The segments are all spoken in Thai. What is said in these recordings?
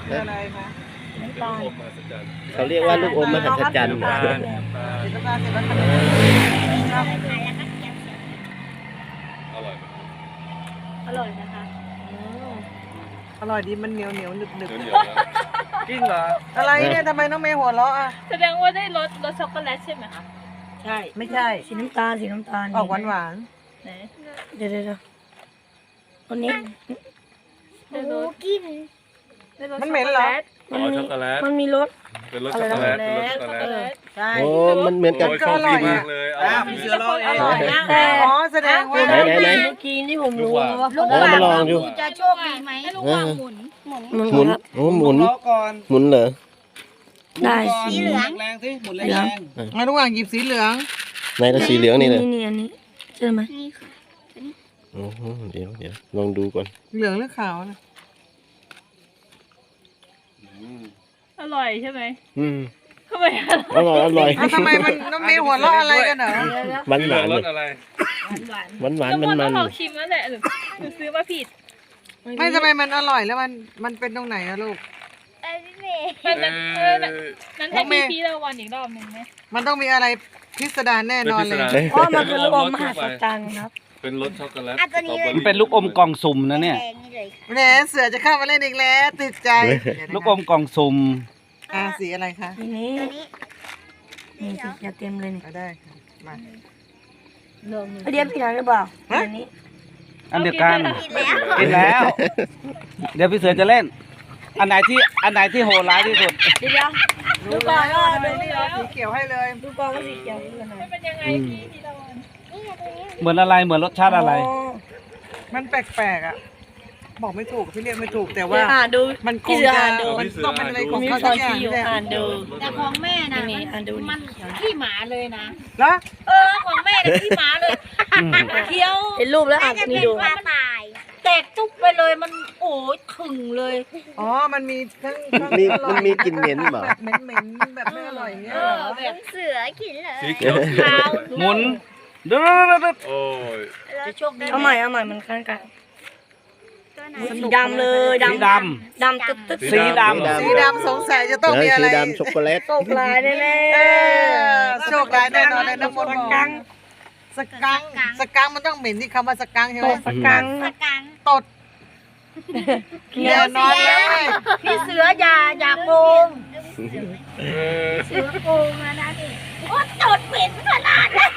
คืออะไรคะน้ำตาลเขาเรียกว่าลูกอมมหัศจรรย์สีน้ำตาลเสร็จแล้วขนมอร่อยนะคะอร่อยดีมันเหนียวเหนียวหนึบหนึบจริงเหรออะไรเนี่ยทำไมน้องเมย์หัวเราะอ่ะแสดงว่าได้รสช็อกโกแลตใช่ไหมคะใช่ไม่ใช่สีน้ำตาลสีน้ำตาลออกหวานหวานไหนเดี๋ยววันนี้ได้รสกินได้รสมันเหม็นเหรออ๋อช็อกโกแลตมันมีรสเป็นรสช็อกโกแลตเป็นรสช็อกโกแลตใช่โอ้มันเหมือนกับโอ้ยโชคดีมากเลยพี่เสือรอเองร่อยนะอ๋อแสดงว่าไหนเมื่อกี้ที่ผมรู้ว่ามาลองดูจะโชคดีไหมให้ลูกวางหมุนมันหมุนโอ้หมุนก่อนหมุนเหรอได้สีแรงสิหมุนแรงงั้นระหว่างหยิบสีเหลืองในละสีเหลืองนี่เลยนี่อันนี้ใช่ไหมโอ้โหเดี๋ยวลองดูก่อนเหลืองหรือขาวนะอร่อยใช่ไหมอืมทำไมอร่อยอร่อยทำไมมันน้องเมย์หัวเราะอะไรกันเหรอหวานหวานรเลสยอะไรหวานหวานทุกมันคนมัต้อน งลองชิมแล้วแหละหรือซื้อมาผิดไม่ทำไมมันอร่อยแล้วมันเป็นตรงไหนอะลูกนั้นให้พี่เราวันอีกรอบหนึ่งไหมมันต้องมีอะไรพิสดารแน่นอนเลยเพราะมันคือลูกอมมหัศจรรย์ครับเป็นรสช็อกโกแลตมันเป็นลูกอมกล่องสุ่มนะเนี่ยแหมเสือจะเข้ามาเล่นอีกแล้วติดใจเดี๋ยวนะลูกอมกล่องสุ่มสีอะไรคะทีนี้นี่สิอย่าเต็มเลยนี่เอาได้ค่ะมาเรียนผิดอะไรหรือเปล่าอันนี้อันเดียวกันกินแล้ว เดี๋ยวพี่เสือจะเล่น อันไหนที่โหดร้ายที่สุดเดี๋ยวดูก่อนว่าดูสีเขียวให้เลยดูก่อนว่าสีเขียวคืออะไรเป็นยังไงพี่เราวันเหมือนอะไรเหมือนรสชาติอะไรมันแปลกๆอ่ะบอกไม่ถูกพี่เรียกไม่ถูกแต่ว่าอ่านดูมันคพี่งเสือจะอ่านดูมันต้องเป็นอะไรของมีเขาช้สัอก นอย่างชี้อยู่นี่แหละอ่านดูแต่ของแม่น่ะนี่อ่านดูมันขี้หมาเลยนะแล้วของแม่น่ะขี้หมาเลยเคี้ยวเห็นรูปแล้วอ่านนี่ดูแตกจุ๊บไปเลยมันโอ้ยถึงเลยอ๋อมันมีทั้งมันมีกลิ่นเหม็นเปล่าแบบเหม็นๆแบบไม่อร่อยเนี่ยเหรอแบบเสือกินเลยสีเขียวขาวหมุนดูโอ้ยจะโชคดีเอาใหม่มันคันกันสีดำเลยสีดดำตึ๊ดตึ๊ดสีดำสีดำสงสัยจะต้องมีอะไรสีดำช็อกโกแลตโตกลายแน่เออโชคร้ายแน่นอนเลยน้ำมนต์บอกสกังมันต้องเหม็นที่คำว่าสกังใช่ไหโตมกสกังตดเขีเดี๋ยยว วนอนเลยพี่เสืออย่าโกงเสือโกงนะนี่โอ้ตดเหม็นขนาดนั้น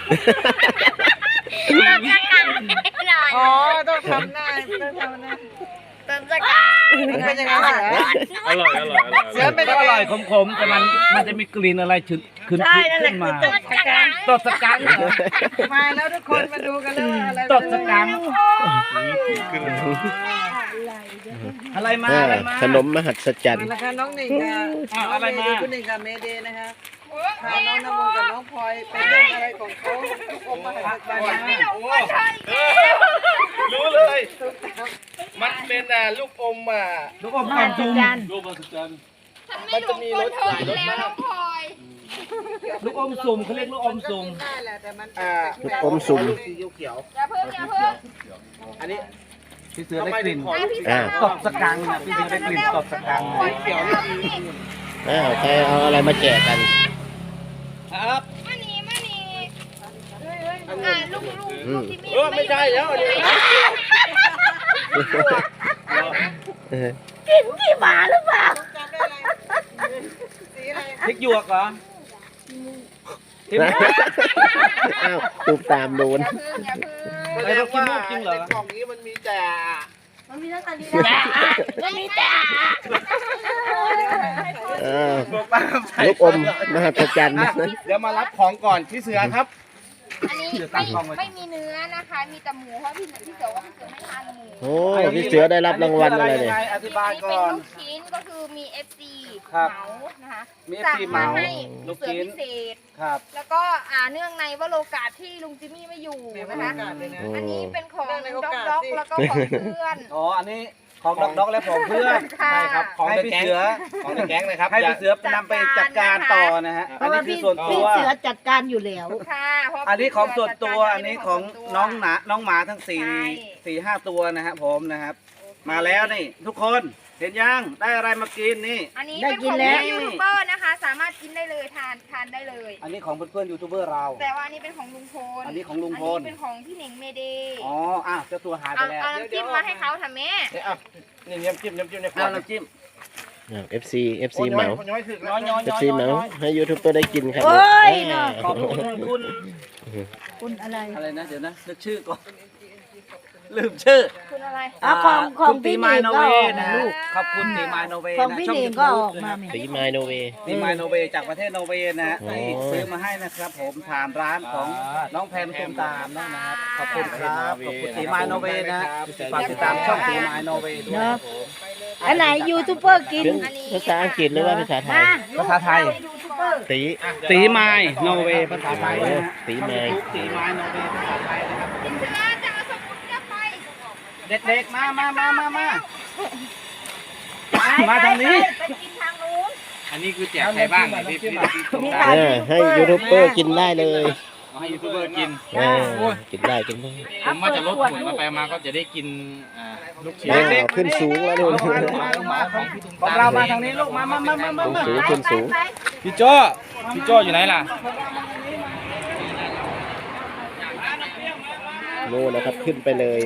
อ๋อต้องทำหน้าต้องทำหน้าเป็นสกังมันเป็นยังไงเสืออร่อยอร่อยอร่อยเสือเป็นก็ยังอไงร่อยขมๆแต่มันจะมีกลิ่นอะไรขึ้นใช่นั่นแหละขึ้นคืมาอตดสกังตดสกังเหรอมาแล้วทุกคนมาดูกันเลยว่าอะไรตดสกังอะไรมาอะไรมาขนมมหัศจรรมาย์แล้วค่ะน้องหนิงค่ะอ้าวอะไรมาคุณหนิงกับเมเดย์นะคะพาน้องน้ำมนต์กับน้องพลอยไปเล่นอะไรของเขาอมมาหัศจรรย์รู้เลย มันเป็นลูกอมลูกอมกล่องสุ่มลูกมหัศจรรย์มันจะมีรสหลายรสมากลูกอมสุ่มเขาเรียกลูกอมสุ่มได้แหละแต่มันลูกอมสุ่มสีเขียวอันนี้พี่เสือได้กลิ่นอ่าตดสกังนะพี่เสือได้กลิ่นตดสกังเขียวนี่ดีใครเอาอะไรมาแจกกันครับอืมไม่ใช่แล้วอันนี้ขี้หมาหรือเปล่าจำได้อะไรสีอะไรพริกหยวกเหรอพริกหยวกอ้าวตูมตามโดนไปเรากินลูกจริงเหรอในกล่องนี้มันมีแต่มันมีแต่ลูกอมมหัศจรรย์เดี๋ยวมารับของก่อนพี่เสือครับอันนี้ไม่มีเนื้อนะคะ มีแต่หมูเพราะพี่เสือว่าพี่เสือไม่ทานหมูโอ้พี่เสือได้รับรางวัลอะไรเนี่ยอธิบายอันนี้ก่เป็นอนลูกชิ้นก็คือมี FC ครับเหมานะคะมีสั่ง FC เหมาให้ลูกเสือชิ้นพิเศษครับแล้วก็เนื่องในว่าโลกาสที่ลุงจิมมี่ไม่อยู่เนี่ยนะคะบรรยากาศเลยนะอันนี้เป็นของเนื่องในโอด็อกกาสด็อกที่แล้วก็ของเพื่อนอ๋ออันนี้ของด็อกและของเพื่อนค่ะใช่ครับ ของให้ในพี่แก๊งเสือของในแก๊งนะครับให้พี่เสือนำไปจัดการต่อนะฮะอันนี้คือส่วนตัวจัดการอยู่แล้วค่ะเพราะอันนี้ของส่วนตัวพี่เสือันนี้ของน้องหมาทั้งสี่ใช่ 4-5 ตัวนะครับผมนะครับ มาแล้วนี่ทุกคนเห็นยังได้อะไรมากินนี่อันนี้เป็นของยูทูบเบอร์นะคะ สามารถกินได้เลยทานได้เลยอันนี้ของเพื่อนๆยูทูบเบอร์เราแต่ว่าอันนี้เป็นของลุงพลอันนี้ของลุงพลอันนี้เป็นของพี่เหน่งเมเดย์อ๋อเจ้าตัวหายไปเอาแล้วเอาน้ำจิ้มมาให้เขาทำแม่นี่น้ำจิ้มในขวเอาดน้ำจิ้ม FC FC เหมาย้อยถึกแล้ว FC เหมาให้ยูทูบเบอร์ได้กินครับโอ้ยเนาะขอบคุณคุณคุณอะไรอะไรนะเดี๋ยวนะนึกชื่อก่อนลืมชื่อคุณอะไรอ่ะของคุณพี่ตีหมายนิงโนก็เวออกนะนะลูกขอบคุณตีมายโนเวของนะพี่ช่องหนิงยูก็ทูอบ อกมานะครับตีไมโนเวตีมายโนเวจากประเทศโนเวนะอ๋อที่ซื้อมาให้นะครับผมผ่านร้านของน้องแพมตุมตามนะครับขอบคุณครับขอบคุณตีมายโนเวนะฝากติดตามช่องตีมายโนเวด้วยเนาะอันไหนยูทูบเบอร์กินเป็นภาษาอังกฤษหรือว่าภาษาไทยภาษาไทยตีตีไมายโนเวภาษาไทยนะตีไมตีไมายโนเวภาษาไทยนะครับจะเอาสมุนจะไปเด็กๆมาทางนี้ไปกินทางนู้นอันนี้คือแจกใครบ้างเนี่ยพี่มีทางยูทูบให้เบอร์ยูทูบเบอร์กินได้เลยเอาให้ยูทูบเบอร์กินกินได้กินได้ผมว่าจะลดหุ่นมาไปมาก็จะได้กินลูกชิ้นขึ้นสูงแล้วนู่นของเรามาทางนี้ลูกมาสูงขึ้นสูงพี่โจ้อยู่ไหนล่ะโน่นนะครับขึ้นไปเลย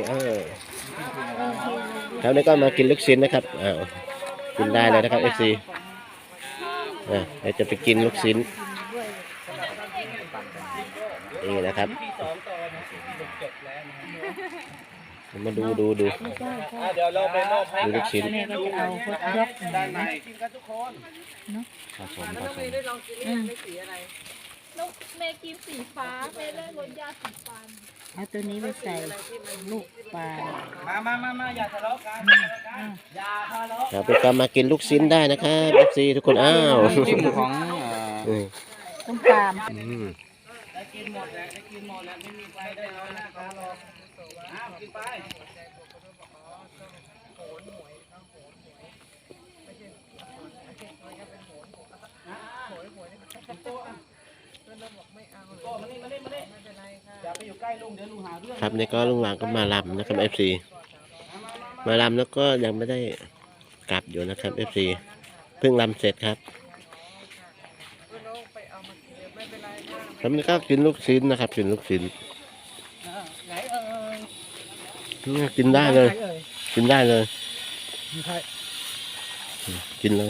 แล้วนี่ก็มากินลูกชิ้นนะครับกินได้เลยนะครับ FC เดี๋ยวจะไปกินลูกชิ้นนี่นะครับมาดูเดี๋ยวเราไปมอบให้ดูลูกชิ้นแม่ก็จะเอาฮอตดอกด้านในกินกันทุกคนผสมลูกเมย์กินสีฟ้าเมย์ได้รสยาสีฟันเอาตัวนี้ไปใส่ลูกปลามาอย่าทะเลาะกันอย่าทะเลาะเราไปก็มากินลูกชิ้นได้นะครับ FC ทุกคนอ้าวจิ้มของต้มตามได้กินหมดแล้วไม่มีใครได้น้อยนะครับกินไปครับนี่ก็ลุงหวางก็มาลำนะครับ FC มาลำแล้วก็ยังไม่ได้กลับอยู่นะครับ FC เพิ่งลำเสร็จครับแล้วนี่ก็กินลูกชิ้นนะครับกินลูกชิ้นกินได้เลย กินได้เลยกินเลย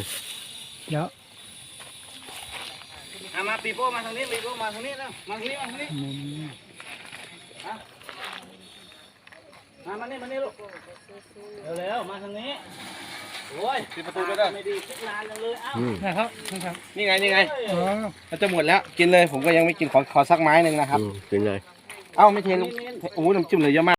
มาปีโป้มาทางนี้แล้วมาทางนี้มานี่ลูกเร็วมาทางนี้โอ้ยปิดประตูด้วยเด้อไม่ดีคิดนานเลยเอ้านะครับนี่ไงเราจะหมดแล้วกินเลยผมก็ยังไม่กินขอสักไม้หนึ่งนะครับกินเลยเอ้าไม่เทลงโอ้โหน้ำจิ้มเลยเยอะมาก